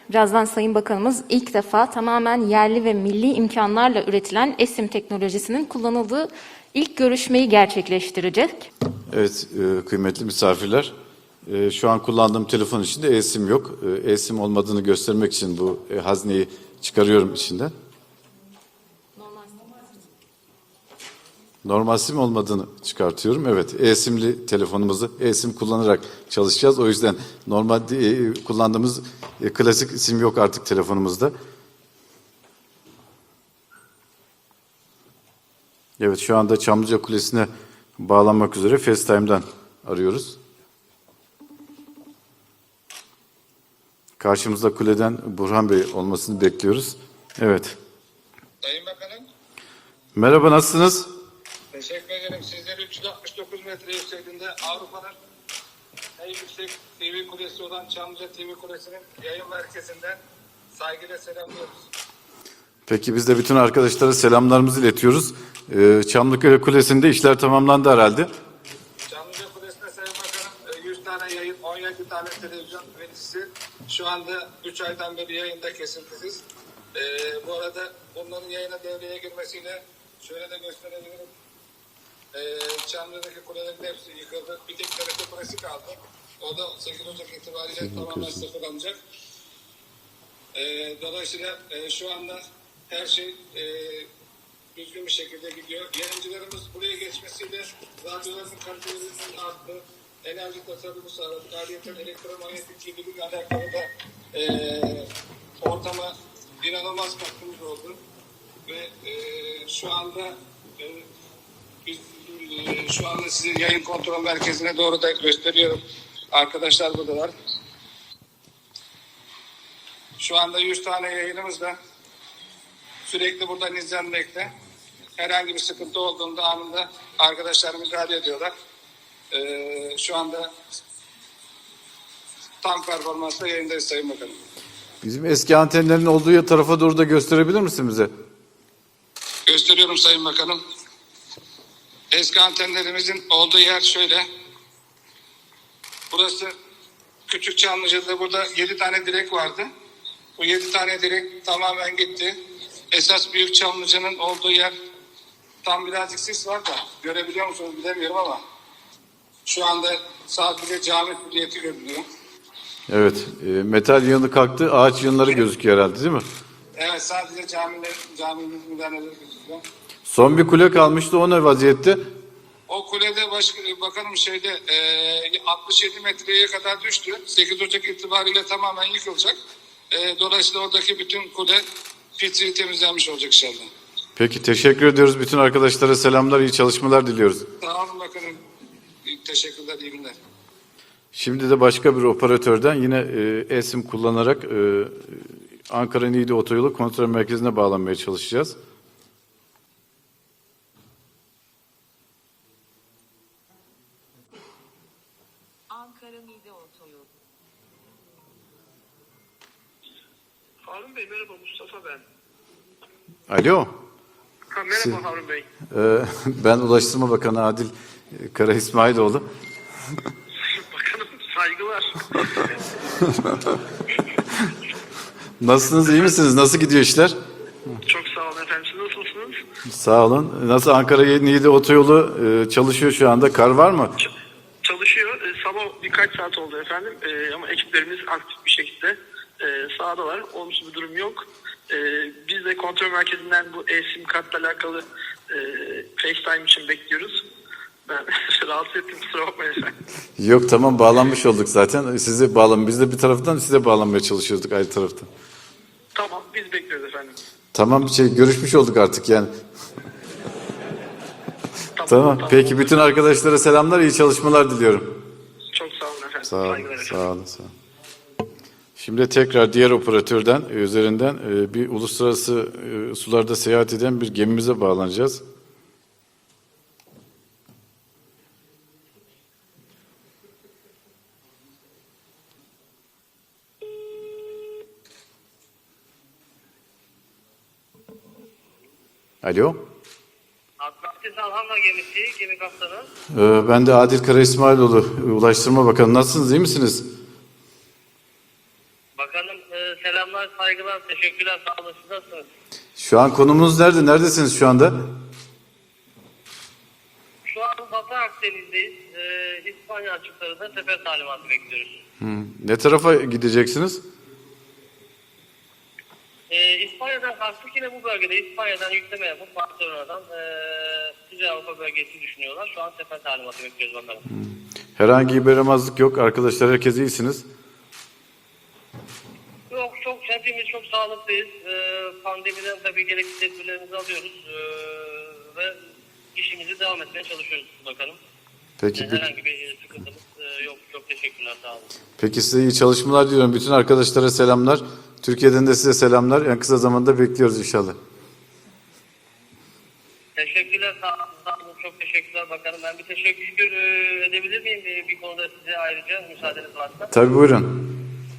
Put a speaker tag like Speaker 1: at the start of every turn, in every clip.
Speaker 1: Birazdan Sayın Bakanımız ilk defa tamamen yerli ve milli imkanlarla üretilen eSIM teknolojisinin kullanıldığı ilk görüşmeyi gerçekleştirecek.
Speaker 2: Evet, kıymetli misafirler. Şu an kullandığım telefon içinde eSIM yok. eSIM olmadığını göstermek için bu hazneyi çıkarıyorum içinden. Normal SIM olmadığını çıkartıyorum. Evet, eSIM'li telefonumuzu eSIM kullanarak çalışacağız. O yüzden normal kullandığımız klasik SIM yok artık telefonumuzda. Evet, şu anda Çamlıca Kulesi'ne bağlanmak üzere FaceTime'dan arıyoruz. Karşımızda kuleden Burhan Bey olmasını bekliyoruz. Evet.
Speaker 3: Sayın Bakanım.
Speaker 2: Merhaba, nasılsınız?
Speaker 3: Teşekkür ederim. Sizleri 369 metre yüksekliğinde Avrupa'nın en yüksek TV kulesi olan Çamlıca TV Kulesi'nin yayın merkezinden saygıyla selamlıyoruz.
Speaker 2: Peki biz de bütün arkadaşlara selamlarımızı iletiyoruz. Çamlıca Kulesi'nde işler tamamlandı herhalde.
Speaker 3: Çamlıca Kulesi'nde Sayın Bakanım 100 tane yayın, 17 tane televizyon vericisi şu anda 3 aydan beri yayında kesintisiz. Bu arada bunların yayına devreye girmesiyle şöyle de gösterebilirim. Çamlıca'daki kulelerin hepsi yıkıldı. Bir tek TRT Kulesi kaldı. O da 8 Ocak itibariyle tamamen sıfırlanacak. Dolayısıyla şu anda her şey düzgün bir şekilde gidiyor. Yayıncılarımız buraya geçmesiyle radyoların kalitelerinin arttı. Enerji tasarrufu sağladı. Ayrıca elektromanyetik kirliliğiyle alakalı da ortama inanılmaz katkımız oldu. Ve şu anda biz şu anda sizi yayın kontrol merkezine doğru da gösteriyorum. Arkadaşlar buradalar. Şu anda 100 tane yayınımız da sürekli buradan izlenmekte. Herhangi bir sıkıntı olduğunda anında arkadaşlar müdahale ediyorlar. Şu anda tam performansla yayındayız Sayın Bakanım.
Speaker 2: Bizim eski antenlerin olduğu tarafa doğru da gösterebilir misin bize?
Speaker 3: Gösteriyorum Sayın Bakanım. Eski antenlerimizin olduğu yer şöyle. Burası Küçük Çamlıca'da, burada 7 tane direk vardı. Bu 7 tane direk tamamen gitti. Esas Büyük Çamlıca'nın olduğu yer tam birazcık sis var da görebiliyor musunuz bilemiyorum ama şu anda sadece cami hürriyeti görünüyor.
Speaker 2: Evet, metal yığını kalktı, ağaç yığınları gözüküyor herhalde değil mi?
Speaker 3: Evet, sadece caminin müdahaleleri gözüküyor.
Speaker 2: Son bir kule kalmıştı, o ne vaziyette?
Speaker 3: O kulede bakanım 67 metreye kadar düştü. 8 Ocak itibariyle tamamen yıkılacak. Dolayısıyla oradaki bütün kule pisliği temizlenmiş olacak inşallah.
Speaker 2: Peki, teşekkür ediyoruz. Bütün arkadaşlara selamlar, iyi çalışmalar diliyoruz.
Speaker 3: Sağ olun bakanım. Teşekkürler, iyi günler.
Speaker 2: Şimdi de başka bir operatörden yine eSIM kullanarak Ankara Niğde Otoyolu kontrol merkezine bağlanmaya çalışacağız.
Speaker 4: Ankara Niğde Otoyolu.
Speaker 5: Harun Bey merhaba, Mustafa ben.
Speaker 2: Alo.
Speaker 5: Merhaba Harun Bey.
Speaker 2: Ben Ulaştırma Bakanı Adil Kara İsmailoğlu.
Speaker 5: Bakanım saygılar.
Speaker 2: Nasılsınız, iyi misiniz? Nasıl gidiyor işler?
Speaker 5: Çok sağ olun efendim. Siz nasılsınız?
Speaker 2: Sağ olun. Nasıl Ankara Niğde Otoyolu çalışıyor şu anda? Kar var mı?
Speaker 5: Çalışıyor. Sabah birkaç saat oldu efendim. Ama ekiplerimiz aktif bir şekilde sahadalar. Olumsuz bir durum yok. Biz de kontrol merkezinden bu eSIM kartla alakalı FaceTime için bekliyoruz. Ben rahatsız ettim, kusura bakmayın efendim.
Speaker 2: Yok, tamam, bağlanmış olduk zaten. Biz de bir taraftan size bağlanmaya çalışıyorduk ayrı taraftan.
Speaker 5: Tamam, biz bekliyoruz efendim.
Speaker 2: Tamam, görüşmüş olduk artık yani. Tamam. Peki, bütün arkadaşlara selamlar, iyi çalışmalar diliyorum.
Speaker 5: Çok sağ olun efendim.
Speaker 2: Sağ olun,
Speaker 5: Saygılar efendim.
Speaker 2: sağ olun, sağ olun. Şimdi tekrar diğer operatörden üzerinden bir uluslararası sularda seyahat eden bir gemimize bağlanacağız. Alo.
Speaker 6: Atlantis Alhanla gemisi, gemi kaptanı.
Speaker 2: Ben de Adil Kara İsmailoğlu, Ulaştırma Bakanı. Nasılsınız, iyi misiniz?
Speaker 6: Bakanım selam. selamlar, saygılar, teşekkürler, sağ olun. Siz nasılsınız?
Speaker 2: Şu an konumuz nerede? Neredesiniz şu anda?
Speaker 6: Şu an Batı Akdeniz'deyiz. İspanya açıklarında sefer talimatı bekliyoruz.
Speaker 2: Ne tarafa gideceksiniz?
Speaker 6: İspanya'dan kalktık, yine bu bölgede İspanya'dan yükleme yapıp Barcelona'dan Kuzey Avrupa bölgesi düşünüyorlar. Şu an sefer talimatı bekliyoruz bakalım.
Speaker 2: Herhangi bir yaramazlık yok. Arkadaşlar herkes iyisiniz.
Speaker 6: Yok, hepimiz çok sağlıklıyız. Pandemiden tabii gerekli tedbirlerimizi alıyoruz. Ve işimizi devam etmeye çalışıyoruz bakalım.
Speaker 2: Peki,
Speaker 6: Herhangi bir sıkıntımız yok. Çok teşekkürler, sağ olun.
Speaker 2: peki size iyi çalışmalar diliyorum. Bütün arkadaşlara selamlar. Türkiye'den de size selamlar. En kısa zamanda bekliyoruz inşallah.
Speaker 6: Teşekkürler, sağ olun. Çok teşekkürler bakalım. Ben bir teşekkür edebilir miyim bir konuda size ayrıca, müsaadeniz varsa?
Speaker 2: Tabii buyurun.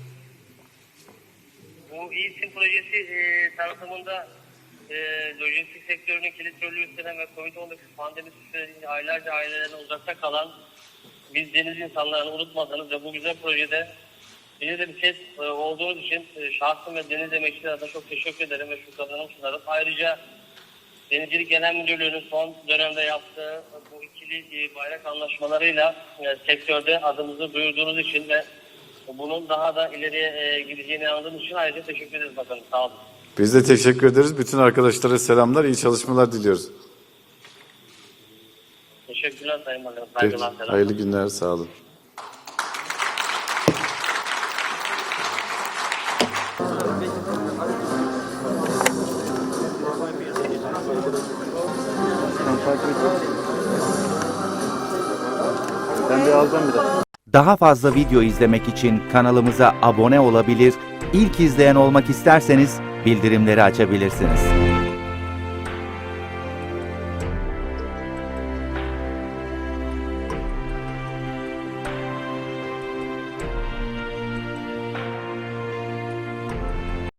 Speaker 6: Bu İSİM projesi tanıtımında lojistik sektörünün kilit rolü üstlenen ve COVID-19 pandemisi sürecinde aylarca ailelerine uzakta kalan biz deniz insanlarını unutmadınız ve bu güzel projede bize de bir ses olduğunuz için şahsım ve deniz emekçileri adına çok teşekkür ederim ve şükranlarımı sunarım. Ayrıca Denizcilik Genel Müdürlüğü'nün son dönemde yaptığı bu ikili bayrak anlaşmalarıyla sektörde adımızı duyurduğunuz için ve bunun daha da ileriye gideceğine inandığım için ayrıca teşekkür ederiz bakalım. Sağ olun.
Speaker 2: Biz de teşekkür ederiz. Bütün arkadaşlara selamlar. İyi çalışmalar diliyoruz.
Speaker 6: Teşekkürler Sayın Bakanım.
Speaker 2: Peki,
Speaker 6: Saygılar, selamlar.
Speaker 2: hayırlı günler. Sağ olun.
Speaker 7: Daha fazla video izlemek için kanalımıza abone olabilir, ilk izleyen olmak isterseniz bildirimleri açabilirsiniz.